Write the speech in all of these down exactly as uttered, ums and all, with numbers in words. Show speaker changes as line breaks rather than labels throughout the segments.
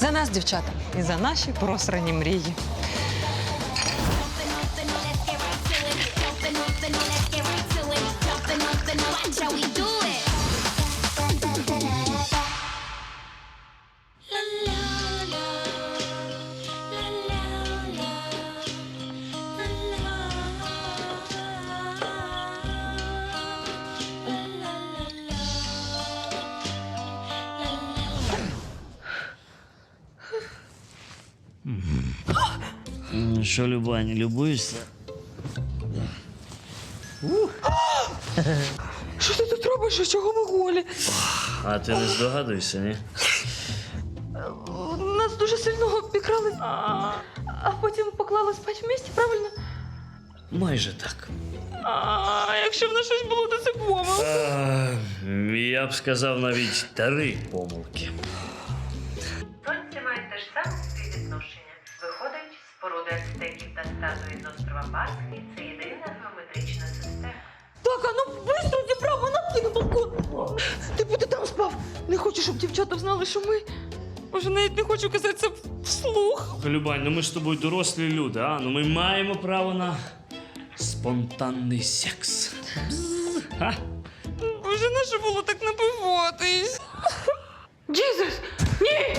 За нас, дівчата, і за наші просрані мрії.
Ну що, Любаня, любуєшся?
Що ти тут робиш? А чого ми голі?
А ти не здогадуєшся, ні?
Нас дуже сильно обікрали, а, а потім поклали спати в місті, правильно?
Майже так.
А якщо в нас щось було, то це помилка.
А, я б сказав навіть три помилки.
Сонці мають те ж саме співвідношення. Виходить, споруди ацтеків та статуї з острова Пасхи – це єдина геометрична система.
Так, а ну быстро дібрав, на на балкон. Ти б ти там спав. Не хочу, щоб дівчата знали, що ми... Може, навіть не хочу казати це вслух.
Любань, ну ми ж з тобою дорослі люди, а? Ну ми маємо право на спонтанний секс. Бзз, а?
Боже, не що було так напиватись? Джізус! Ні!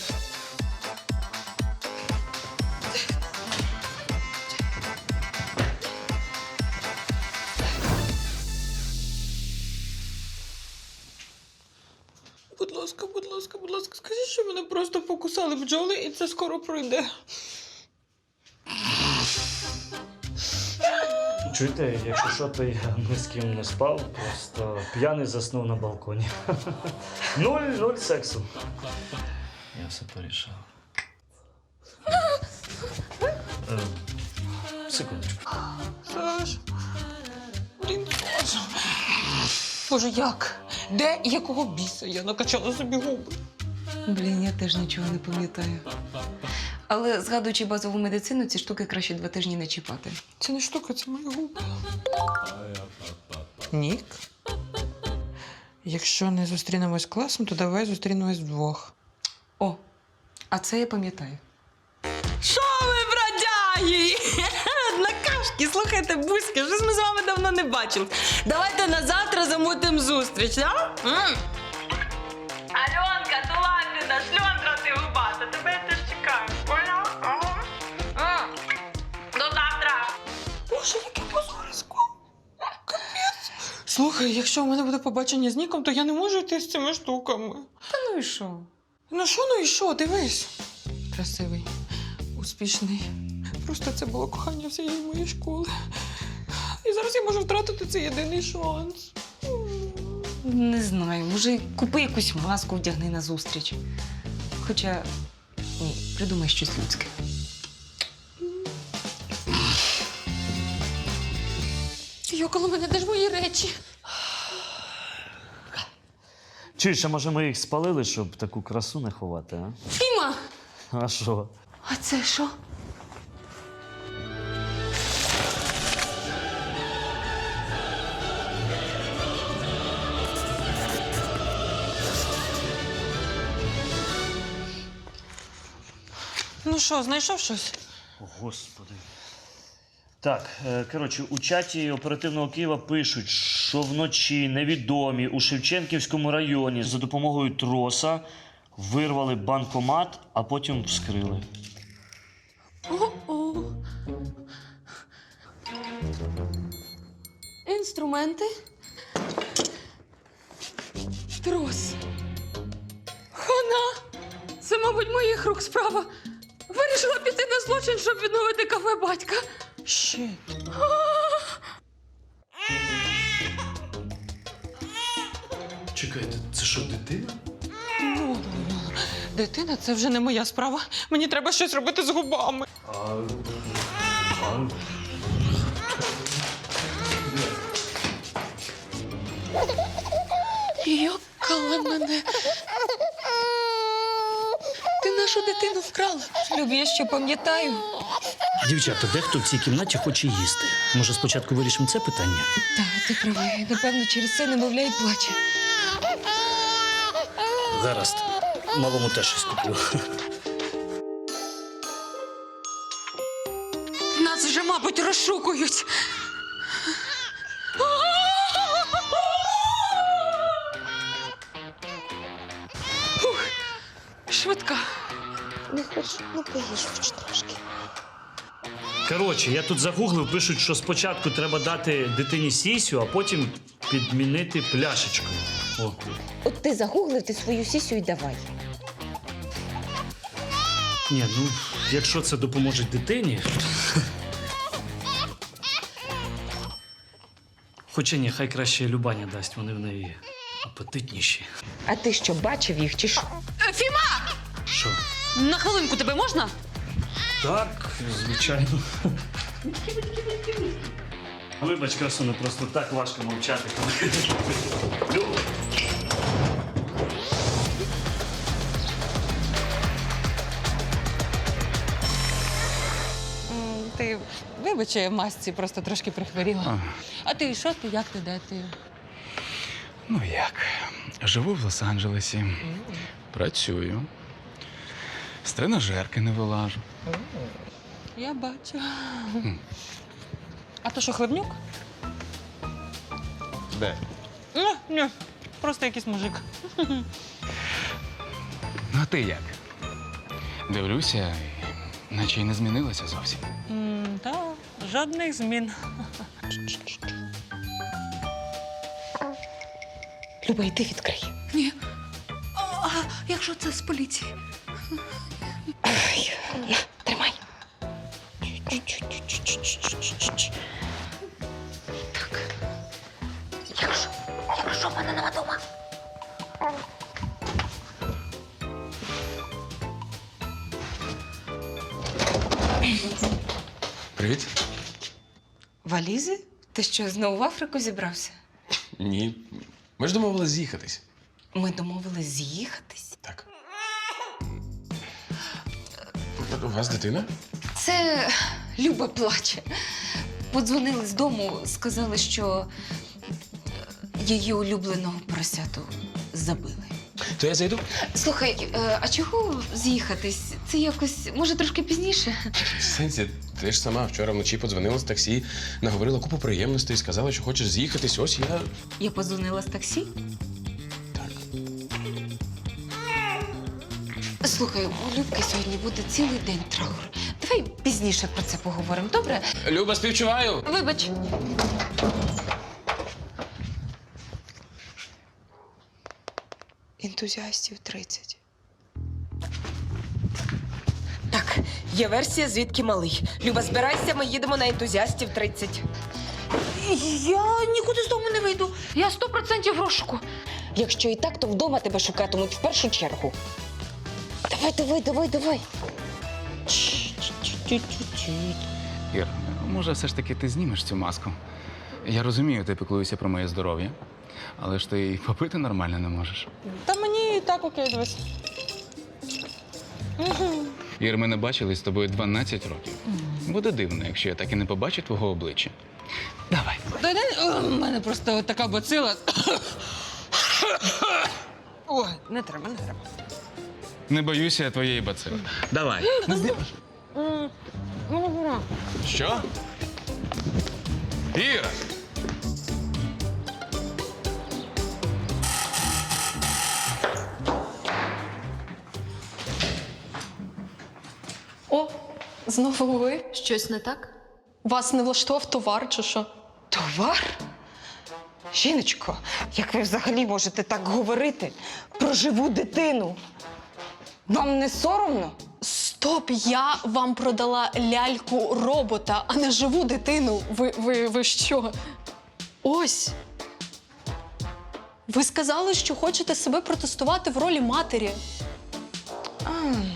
Будь ласка, будь ласка, будь ласка, скажіть, що мене просто покусали бджоли, і це скоро пройде.
Чуєте, якщо що, то я ні з ким не спав, просто п'яний заснув на балконі. Нуль, нуль сексу. Я все порішав. Е, Секундочку.
Саш, блін, Саша. Боже, як? Де і якого біса я накачала собі губи?
Блін, я теж нічого не пам'ятаю. Але, згадуючи базову медицину, ці штуки краще два тижні не чіпати.
Це не штука, це мої губи. Нік? Якщо не зустрінемось класом, то давай зустрінемось вдвох.
О, а це я пам'ятаю.
Що ви, бродяги? Однокашки, слухайте, бузьки, щось ми з вами давно не бачили. Давайте на завтра замутимо зустріч, а? М.
Альонка, ну ладно, шльондра ти губата, тебе я теж чекаю. Поняла? Ага. М. До завтра.
Боже, яке позорисько. Капець. Слухай, якщо у мене буде побачення з Ніком, то я не можу йти з цими штуками.
Та ну і що?
Ну що, ну і що, дивись. Красивий, успішний. Просто це було кохання всієї моєї школи. І зараз я можу втратити цей єдиний шанс.
Не знаю, може, купи якусь маску, вдягни на зустріч. Хоча, ні, придумай щось людське.
Йокало мене, де ж мої речі?
Чуєш, а може ми їх спалили, щоб таку красу не ховати, а?
Фіма!
А що?
А це що? Ну що, знайшов щось?
О, Господи. Так, е, коротше, у чаті оперативного Києва пишуть, що вночі невідомі у Шевченківському районі за допомогою троса вирвали банкомат, а потім вскрили.
О-о. Інструменти. Трос. Хана! Це, мабуть, моїх рук справа. Вирішила піти на злочин, щоб відновити кафе батька. Щит.
Чекайте, це що, дитина?
Ну, дитина, це вже не моя справа. Мені треба щось робити з губами.
А... а...
Йокала мене. Ти нашу дитину вкрала.
Люб, я що пам'ятаю.
Дівчата, дехто в цій кімнаті хоче їсти. Може, спочатку вирішимо це питання?
Так, ти правий. Напевно, через це немовля й плаче.
Гаразд. Малому теж щось куплю.
розшукують. Ух, швидка.
Не хочу, ну поїж хоч трошки.
Коротше, я тут загуглив, пишуть, що спочатку треба дати дитині сісю, а потім підмінити пляшечкою. О.
От ти загуглив, ти свою сісю і давай.
Ні, ну, якщо це допоможе дитині. Хоча ні, хай краще Любаня дасть, вони в неї апетитніші.
А ти що, бачив їх чи що?
Фіма!
Що?
На хвилинку тебе можна?
Так, звичайно. Вибач, красуне, просто так важко мовчати. Люб.
Ти вибач, я в масці просто трошки прихворіла. А ти що ти, як ти, де ти?
Ну як? Живу в Лос-Анджелесі, працюю, з тренажерки не вилажу.
Я бачу. А то що, Хлебнюк?
Де?
Ні, ні, просто якийсь мужик.
Ну, а ти як? Дивлюся, і наче й не змінилося зовсім.
М, Та, жодних змін.
Люба, йди відкрий.
Ні. А якщо це з поліції?
Ай, на, тримай. Так. Якщо, якщо в мене нема дома.
Привіт.
Валізи? Ти що, знову в Африку зібрався?
Ні. Ми ж домовились з'їхатись.
Ми домовились з'їхатись.
Так. У вас дитина?
Це Люба плаче. Подзвонили з дому, сказали, що її улюбленого поросяту забили.
То я зайду?
Слухай, е, а чого з'їхатись? Це якось, може, трошки пізніше?
В сенсі, ти ж сама вчора вночі подзвонила з таксі, наговорила купу приємностей, сказала, що хочеш з'їхатись. Ось я.
Я подзвонила з таксі.
Так.
Слухай, у Любки сьогодні буде цілий день траур. Давай пізніше про це поговоримо, добре?
Люба, співчуваю!
Вибач. Ентузіастів тридцять. Так, є версія, звідки малий. Люба, збирайся, ми їдемо на ентузіастів тридцять.
Я нікуди з дому не вийду. Я сто процентів в розшуку.
Якщо і так, то вдома тебе шукатимуть в першу чергу. Давай, давай, давай, давай.
Ір, може, все ж таки ти знімеш цю маску? Я розумію, ти піклуєшся про моє здоров'я, але ж ти й попити нормально не можеш.
Та мені і так окей, дивись.
Ір, ми не бачились з тобою дванадцять років. Буде дивно, якщо я так і не побачу твого обличчя. Давай.
Та не, о, в мене просто така бацила. Ой, не треба, не треба.
Не боюся я твоєї бацили. Давай. Що? Іра!
О, знову ви?
Щось не так?
Вас не влаштував товар чи що?
Товар? Жіночко, як ви взагалі можете так говорити про живу дитину? Вам не соромно?
Стоп, я вам продала ляльку робота, а не живу дитину. Ви, ви, ви що? Ось. Ви сказали, що хочете себе протестувати в ролі матері.
А.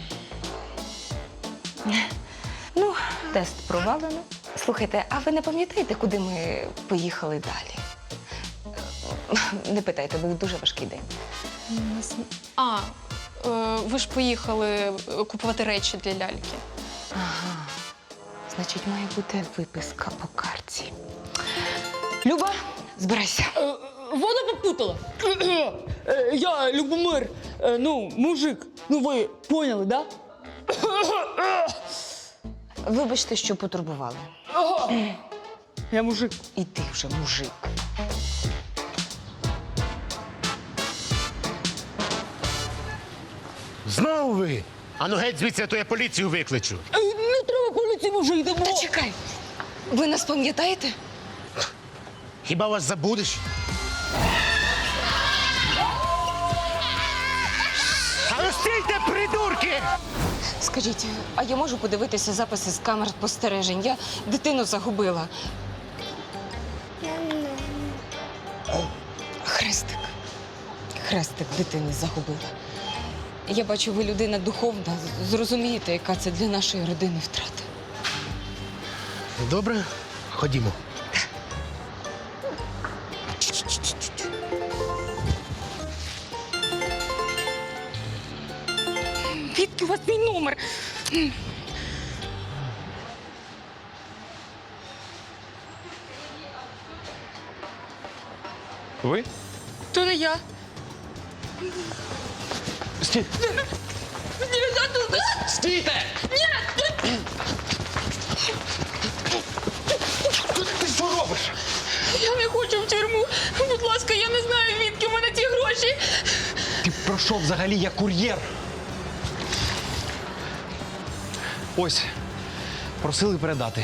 Ну, тест провалено. Слухайте, а ви не пам'ятаєте, куди ми поїхали далі? Не питайте, був дуже важкий день.
А, е, ви ж поїхали купувати речі для ляльки.
Ага. Значить, має бути виписка по карті. Люба, збирайся.
Вона попутала. Я Любомир, ну, мужик. Ну, ви поняли, да?
Вибачте, що потурбували.
Я мужик.
І ти вже мужик.
Знову ви? Ану геть звідси, а то я поліцію викличу.
Е, Не треба поліції, мужик, йдемо.
Та чекай, ви нас пам'ятаєте?
Хіба вас забудеш? А ну стійте, придурки!
Скажіть, а я можу подивитися записи з камер спостережень? Я дитину загубила. Хрестик. Хрестик дитини загубила. Я бачу, ви людина духовна. Зрозумієте, яка це для нашої родини втрата.
Добре, ходімо.
Звідки у вас мій номер?
Ви?
То не я.
Стій. Стійте! Ти що робиш?
Я не хочу в тюрму. Будь ласка, я не знаю, відки в мене ті гроші.
Ти про що взагалі? Я кур'єр. Ось, просили передати.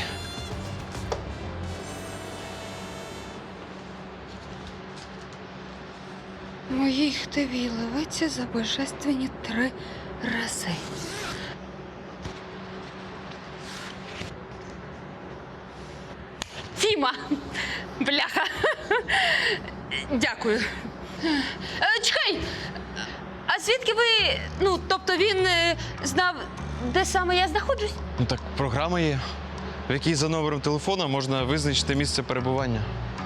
Моїй хтиві ливиться за божественні три рази.
Фіма! Бляха! Дякую. Е, Чекай! А звідки ви. Ну, тобто він е, знав, де саме я знаходжусь?
Ну так, програма є, в якій за номером телефона можна визначити місце перебування.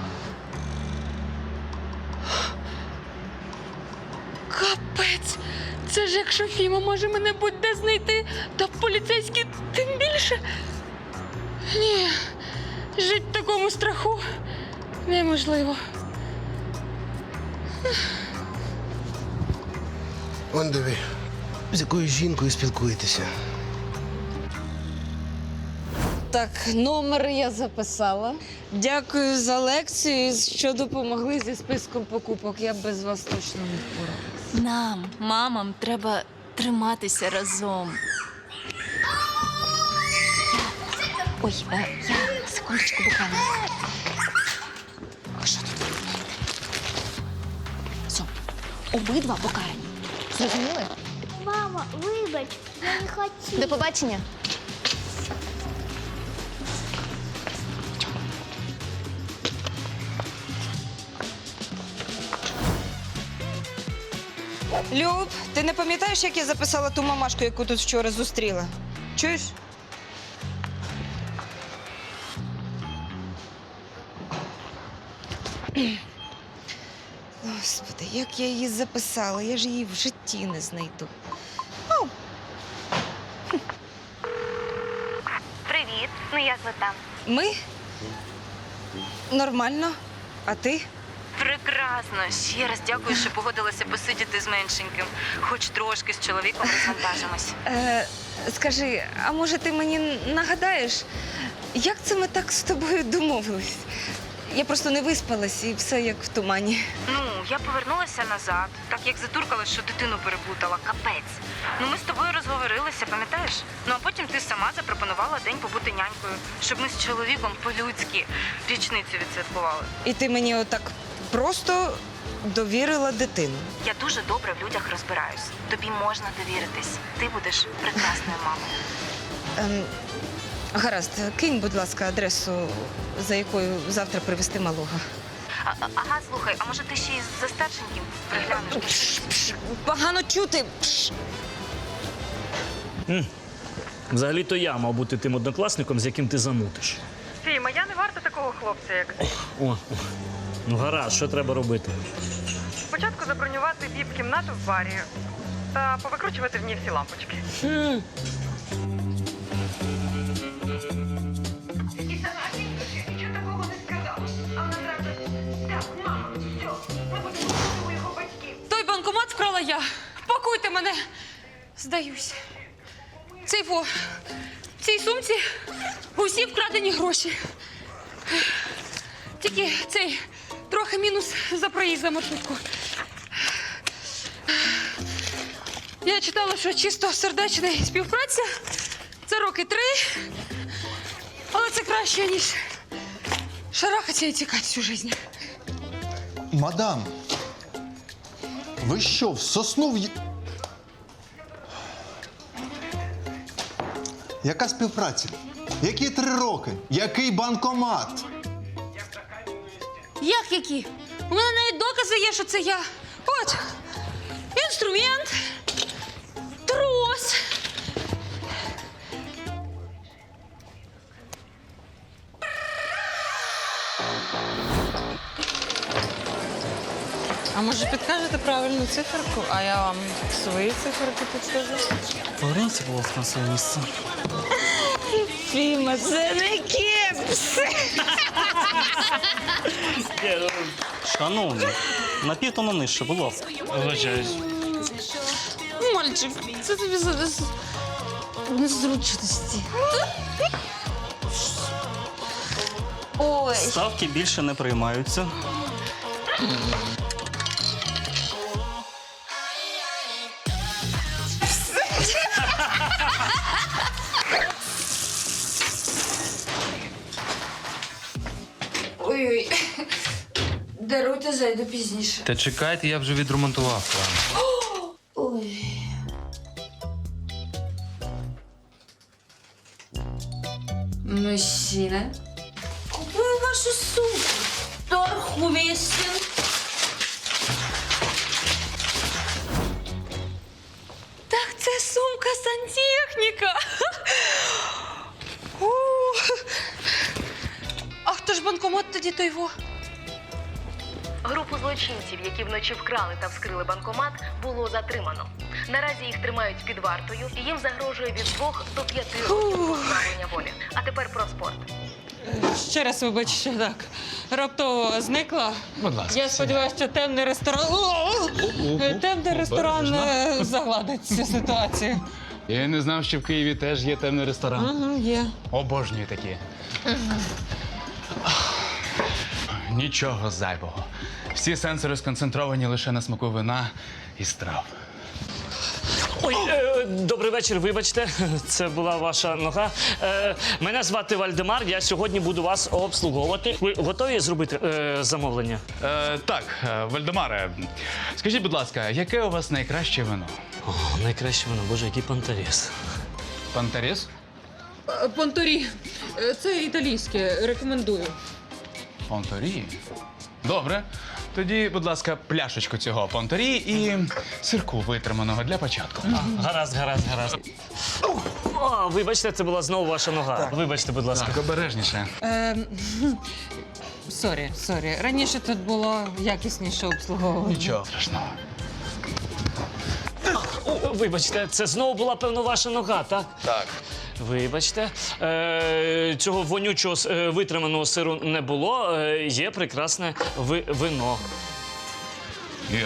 Капець! Це ж якщо Фіма може мене будь-де знайти, то поліцейські тим більше. Ні, жити в такому страху неможливо.
Он диви, з якою жінкою спілкуєтеся.
Так, номер я записала. Дякую за лекцію, що допомогли зі списком покупок. Я б без вас точно не впоралася.
Нам, мамам, треба триматися разом.
Ой, е, я секундочку буквально.
А що тут ви робите?
Все, обидва покарані. Зрозуміли?
Мама, вибач, я не хотіла.
До побачення.
Люб, ти не пам'ятаєш, як я записала ту мамашку, яку тут вчора зустріла? Чуєш? Господи, як я її записала, я ж її в житті не знайду. О,
Привіт, ну як ви там?
ми? Нормально. А ти?
Прекрасно. Ще раз дякую, що погодилася посидіти з меншеньким. Хоч трошки з чоловіком розвантажимось.
Е, скажи, а може ти мені нагадаєш, як це ми так з тобою домовились? Я просто не виспалась і все як в тумані.
Ну, я повернулася назад, так як затуркала, що дитину переплутала. Капець. Ну, ми з тобою розговорилися, пам'ятаєш? Ну, а потім ти сама запропонувала день побути нянькою, щоб ми з чоловіком по-людськи річницю відсвяткували.
І ти мені отак просто довірила дитину.
Я дуже добре в людях розбираюсь. Тобі можна довіритись. Ти будеш прекрасною мамою.
Ем, гаразд, кинь, будь ласка, адресу, за якою завтра привезти малого.
А, а- ага, слухай, а може ти ще й за старшеньким приглянеш?
Погано чути. Пш.
Взагалі-то я мав бути тим однокласником, з яким ти замутиш.
Фіма, я не варта такого хлопця, як ти.
О, о. Ну гаразд, що треба робити?
Спочатку забронювати віп-кімнату в барі та повикручувати в ній всі лампочки. Нічого такого не сказала. А вона зразу, так, мама, все, ми будемо у його батьків.
Той банкомат вкрала я. Пакуйте мене. Здаюсь. Цей фо. В цій сумці усі вкрадені гроші. Тільки цей трохи мінус за проїзд за маршрутку. Я читала, що чисто сердечна співпраця це роки три, але це краще, ніж шарахатися і тікати всю життя.
Мадам, ви що, в сосну в... Яка співпраця? Які три роки? Який банкомат?
Як які? У мене навіть докази є, що це я. От, інструмент, трос.
А може підкажете правильну циферку, а я вам свої циферки підскажу?
Поверніться, будь ласка, на своє місце.
Фіма, це не кепс.
Шановні, на півтону нижче, будь ласка.
Вибачаюсь.
Мальчик, це тобі зараз незручності. Ой.
Ставки більше не приймаються.
Ой-ой. Даруйте, зайду пізніше.
Та чекайте, я вже відремонтував план.
Ой. Мужчина, купую вашу сумку. Торг уместен. Так це сумка сантехніка. У. А хто ж банкомат тоді той во?
Групу злочинців, які вночі вкрали та вскрили банкомат, було затримано. Наразі їх тримають під вартою і їм загрожує від двох до п'яти років позбавлення волі. А тепер про спорт.
Ще раз вибачте, так. Раптово зникла.
Будь ласка.
Я сподіваюся, що темний ресторан. О! Темний ресторан е, загладить цю ситуацію.
Я не знав, що в Києві теж є темний ресторан.
Угу, є.
Обожнюю такі. Нічого зайвого. Всі сенсори сконцентровані лише на смаку вина і страв.
Ой, е, добрий вечір, вибачте, це була ваша нога. Е, мене звати Вальдемар, я сьогодні буду вас обслуговувати. Ви готові зробити е, замовлення?
Е, так, е, Вальдемаре, скажіть, будь ласка, яке у вас найкраще вино?
О, найкраще воно, боже, який пантаріс.
Пантаріс?
Понторі. Це італійське, рекомендую.
Понторі? Добре. Тоді, будь ласка, пляшечку цього понторі і сирку витриманого для початку.
А, гаразд, гаразд, гаразд. О, вибачте, це була знову ваша нога. Так. Вибачте, будь ласка.
Так, обережніше.
Ем, Сорі, сорі. Раніше тут було якісніше обслуговування.
Нічого страшного.
О, вибачте, це знову була, певно, ваша нога, так?
Так.
Вибачте, е, цього вонючого е, витриманого сиру не було. Е, є прекрасне ви, вино.
Ір,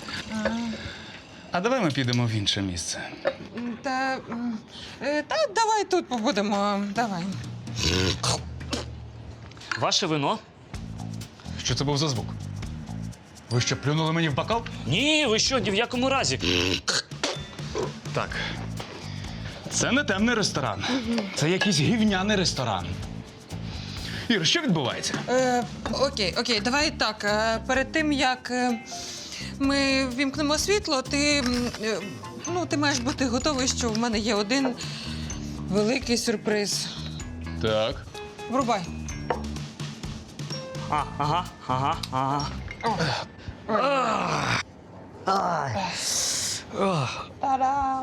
а давай ми підемо в інше місце.
Та, м, е, та давай тут побудемо. Давай.
Ваше вино?
Що це був за звук? Ви що, плюнули мені в бокал?
Ні, ви що, ні в якому разі.
Так. Це не темний ресторан. Це якийсь гівняний ресторан. Ір, що відбувається?
Е, окей, окей, давай так. Е, перед тим, як е, ми ввімкнемо світло, ти, м, е, ну, ти маєш бути готовий, що в мене є один великий сюрприз.
Так.
Врубай.
А, ага, ага, ага.
Та-дам!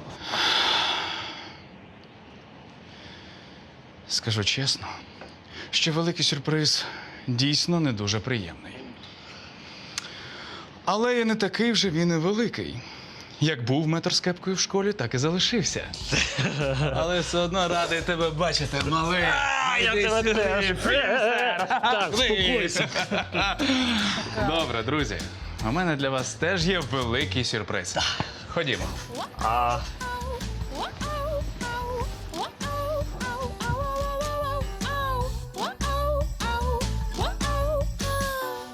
Скажу чесно, що великий сюрприз дійсно не дуже приємний. Але і не такий вже він і великий. Як був метр з кепкою в школі, так і залишився. Але все одно радий тебе бачити, малий.
А, я тебе теж. Так, спокойся.
Добре, друзі. У мене для вас теж є великий сюрприз. Ходімо.
А,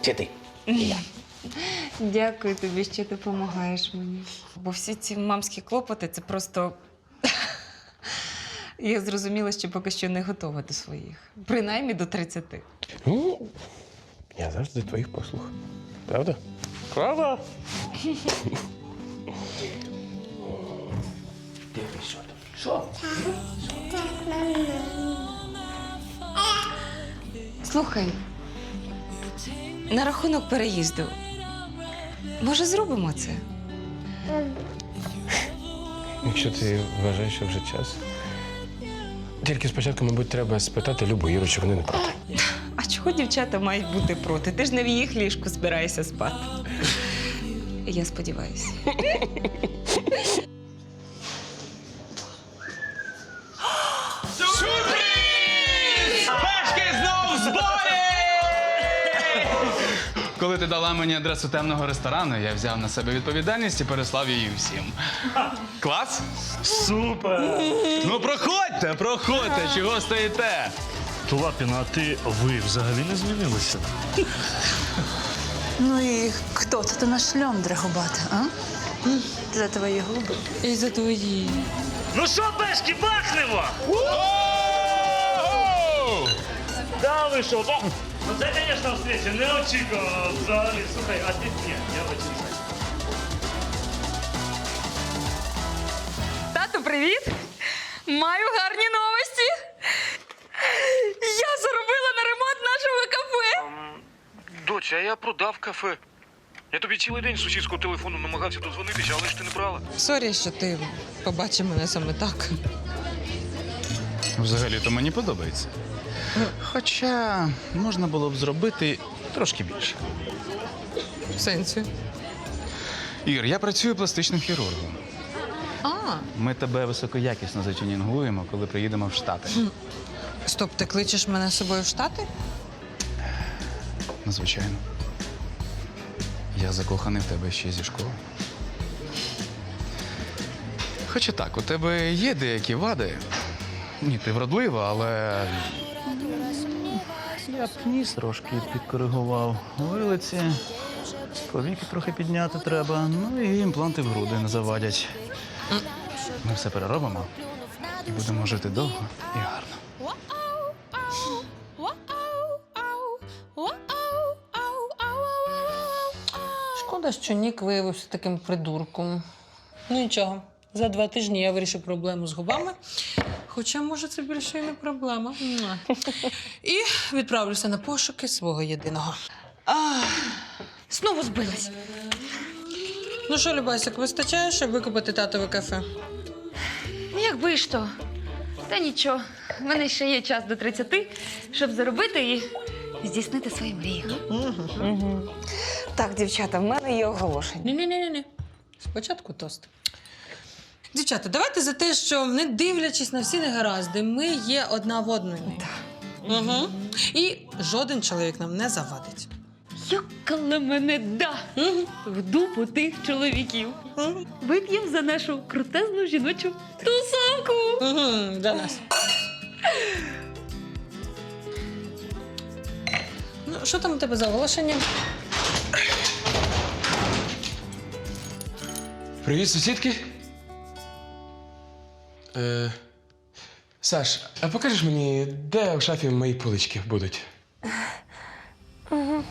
Чи ти?
Дякую тобі, що допомагаєш мені. Бо всі ці мамські клопоти це просто. Я зрозуміла, що поки що не готова до своїх. Принаймні до тридцяти.
Ну, я завжди твоїх послуг. Правда? Правда? Що?
Слухай, на рахунок переїзду. Може, зробимо це?
Якщо ти вважаєш, що вже час. Тільки спочатку, мабуть, треба спитати Любу Іру, чи вони не проти.
А чого дівчата мають бути проти? Ти ж не в їх ліжку збираєшся спати. Я сподіваюся.
Пешки знов в зборі! Коли ти дала мені адресу темного ресторану, я взяв на себе відповідальність і переслав її всім. Клас?
Супер!
Ну проходьте, проходьте, чого стоїте?
Лапіна, а ти ви взагалі не змінилися?
Ну і хто це? Ти наш шльондра губата, а? За твої губи.
І за твої.
Ну що, пешки, бахнемо! Да, ви що? ба- Ну це, звісно, встреча не очікував взагалі. Слухай, а ти ні, я очікував.
Тату, привіт! Маю гарні новості! Я заробила на ремонт нашого кафе!
Доця, а я продав кафе. Я тобі цілий день з сусідського телефону намагався дозвонитися, але ж ти не брала.
Сорі, що ти побачив мене саме так.
Взагалі-то мені подобається. Хоча можна було б зробити трошки більше.
В сенсі.
Ір, я працюю пластичним хірургом.
А,
Ми тебе високоякісно затюнінгуємо, коли приїдемо в Штати.
стоп, ти кличеш мене з собою в Штати?
Ну, звичайно. Я закоханий в тебе ще зі школи. Хоча так, у тебе є деякі вади. Ні, ти вродлива, але. Я б ніс трошки підкоригував. Вилиці, повіки трохи підняти треба, ну і імпланти в груди не завадять. Ми все переробимо і будемо жити довго і гарно.
Шкода, що Нік виявився таким придурком. Ну нічого, за два тижні я вирішу проблему з губами. Хоча, може, це більше і не проблема. Муа. І відправлюся на пошуки свого єдиного.
Знову збилась.
Ну що, Любасик, вистачає, щоб викупити татове кафе?
Якби ж то. Та нічого. В мене ще є час до тридцяти, щоб заробити і здійснити свої мрії.
Угу. Так, дівчата, в мене є оголошення.
Ні-ні-ні. Спочатку тост. Дівчата, давайте за те, що, не дивлячись на всі негаразди, ми є одна в одної. Угу. І жоден чоловік нам не завадить.
Йокала мене да! В дупу тих чоловіків. Вип'єм за нашу крутезну жіночу тусовку.
Угу, для нас. Ну, що там у тебе за оголошення?
Привіт, сусідки. Е, Саш, а покажеш мені, де в шафі мої полички будуть?
Угу.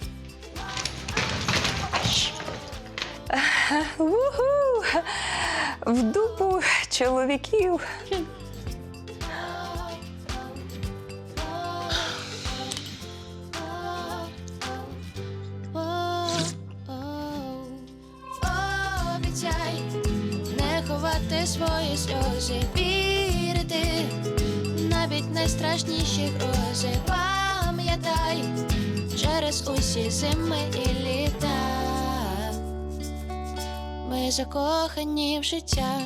Уху! В дупу чоловіків.
Обіцяй не ховати свої сльози, вірити навіть найстрашніші грози. Пам'ятай через усі зими і літа. Ми закохані в життя.